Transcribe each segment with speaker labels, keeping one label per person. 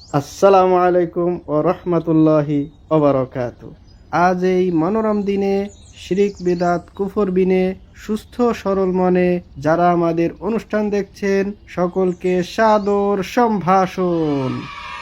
Speaker 1: আসসালামু আলাইকুম ও রহমতুল্লাহি ওবারাকাতু। আজ এই মনোরম দিনে শিরিক বিদাত কুফর বিনে সুস্থ সরল মনে যারা আমাদের অনুষ্ঠান দেখছেন সকলকে সাদর সম্ভাষণ।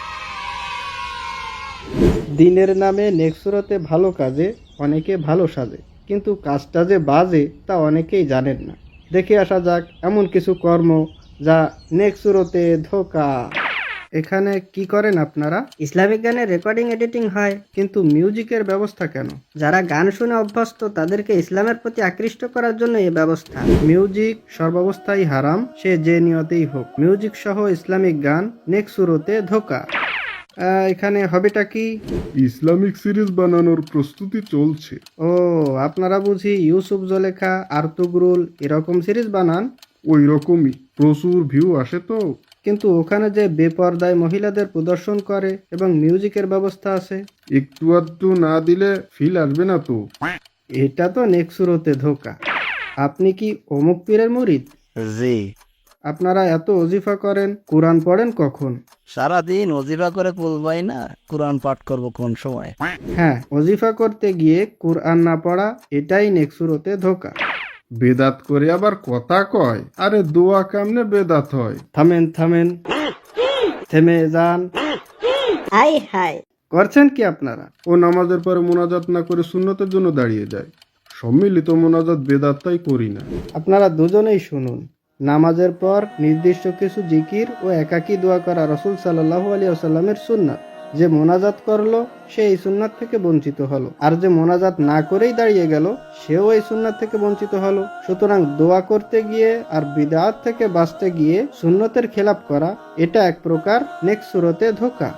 Speaker 1: দিনের নামে নেক্সুরতে ভালো কাজে অনেকে ভালো সাজে, কিন্তু কাজটা যে বাজে তা অনেকেই জানেন না। দেখে আসা যাক এমন কিছু কর্ম যা নেক্সুরতে ধোকা। এখানে কি করেন আপনারা?
Speaker 2: ইসলামিক গানের রেকর্ডিং এডিটিং হয়।
Speaker 1: কিন্তু মিউজিকের ব্যবস্থা কেন?
Speaker 2: যারা গান শুনে অভ্যস্ত তাদেরকে ইসলামের প্রতি আকৃষ্ট করার জন্য এই ব্যবস্থা।
Speaker 1: মিউজিক সর্বাবস্থায় হারাম, সে যে নিয়তেই হোক। মিউজিক সহ ইসলামিক গান নেক্সুরতে ধোকা। এখানে হবেটা কি?
Speaker 3: ইসলামিক সিরিজ বানানোর প্রস্তুতি চলছে।
Speaker 1: ও, আপনারা বুঝি ইউসুফ জলেখা আর্তুগরুল এরকম সিরিজ বানান?
Speaker 3: ওই রকমই প্রচুর ভিউ আসে তো।
Speaker 1: কিন্তু ওখানে যে বেপর্দায় মহিলাদের প্রদর্শন করে এবং মিউজিকের ব্যবস্থা আছে,
Speaker 3: একটু আধটু না দিলে ফিল আসবে না তো।
Speaker 1: এটা তো নেক্সুরতে ধোকা। আপনি কি অমুক পীরের মুরিদ?
Speaker 4: জি,
Speaker 1: আপনারা এত ওজিফা করেন, কোরআন পড়েন কখন?
Speaker 4: সারাদিন অজিফা করে বলবাই না, কোরআন পাঠ করব কোন সময়?
Speaker 1: হ্যাঁ, ওজিফা করতে গিয়ে কোরআন না পড়া, এটাই নেক্সুরতে ধোকা।
Speaker 3: বেদাত করে আবার কথা কয়, আরে দোয়া কামনে বেদাত হয়।
Speaker 1: থামেন থামেন, থেমে যান।
Speaker 2: হাই হাই,
Speaker 1: করছেন কি আপনারা?
Speaker 3: ও নামাজের পরে মোনাজাত না করে সুন্নতের জন্য দাঁড়িয়ে যায়। সম্মিলিত মোনাজাত বেদাত তাই করি না।
Speaker 1: আপনারা দুজনেই শুনুন। নামাজের পর নির্দিষ্ট কিছু জিকির ও একাকী দোয়া করা রাসূল সাল্লাল্লাহু আলাইহি ওয়াসাল্লামের সুন্নাত। যে মোনাজাত করলো সে এই সুন্নাত থেকে বঞ্চিত হলো, আর যে মোনাজাত না করেই দাঁড়িয়ে গেল সেও এই সুন্নাত থেকে বঞ্চিত হলো। সুতরাং দোয়া করতে গিয়ে আর বিদআত থেকে বাঁচতে গিয়ে সুন্নতের খেলাপ করা, এটা এক প্রকার নেক্সুরতে ধোকা।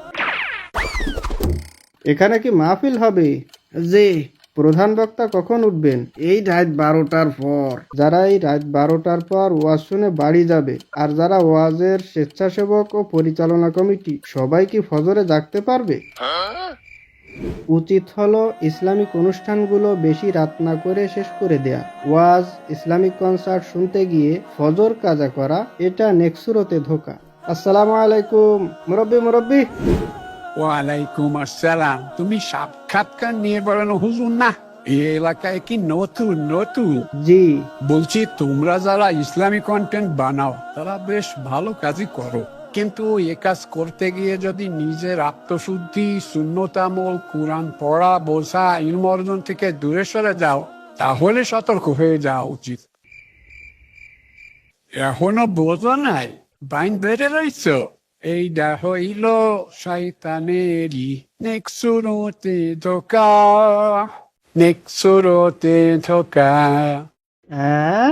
Speaker 1: এখানে কি মাহফিল হবে? জি। প্রধান বক্তা কখন উঠবেন? এই রাত 12টার পর। যারা এই রাত 12টার পর ওয়াজ শুনে বাড়ি যাবে, আর যারা ওয়াজের স্বেচ্ছাসেবক ও পরিচালনা কমিটি, সবাই কি ফজরে জাগতে পারবে? উচিত হলো ইসলামিক অনুষ্ঠানগুলো বেশি রাত না করে শেষ করে দেয়া। ওয়াজ, ইসলামিক কনসার্ট শুনতে গিয়ে ফজর কাজা করা, এটা নেক্সুরতে ধোকা। আসসালামু আলাইকুম মুরব্বি।
Speaker 5: ওয়ালাইকুম আসসালাম। তুমি সাক্ষাৎকার নিয়ে বেড়ানো হুজুর না? এই এলাকায় কি নতুন?
Speaker 1: জি।
Speaker 5: বলছি, তোমরা যারা ইসলামিক কন্টেন্ট বানাও তারা বেশ ভালো কাজই করো, কিন্তু এ কাজ করতে গিয়ে যদি নিজের আত্মশুদ্ধি, সুন্নতামল, কোরআন পড়া, বোঝা, ইলম অর্জন থেকে দূরে সরে যাও, তাহলে সতর্ক হয়ে যাওয়া উচিত। এখনো বোঝো নাই? বাইন বেড়ে রইছ? এইটা হইল শয়তানেরই নেক্সুরতে ধোকা।
Speaker 1: হ্যাঁ।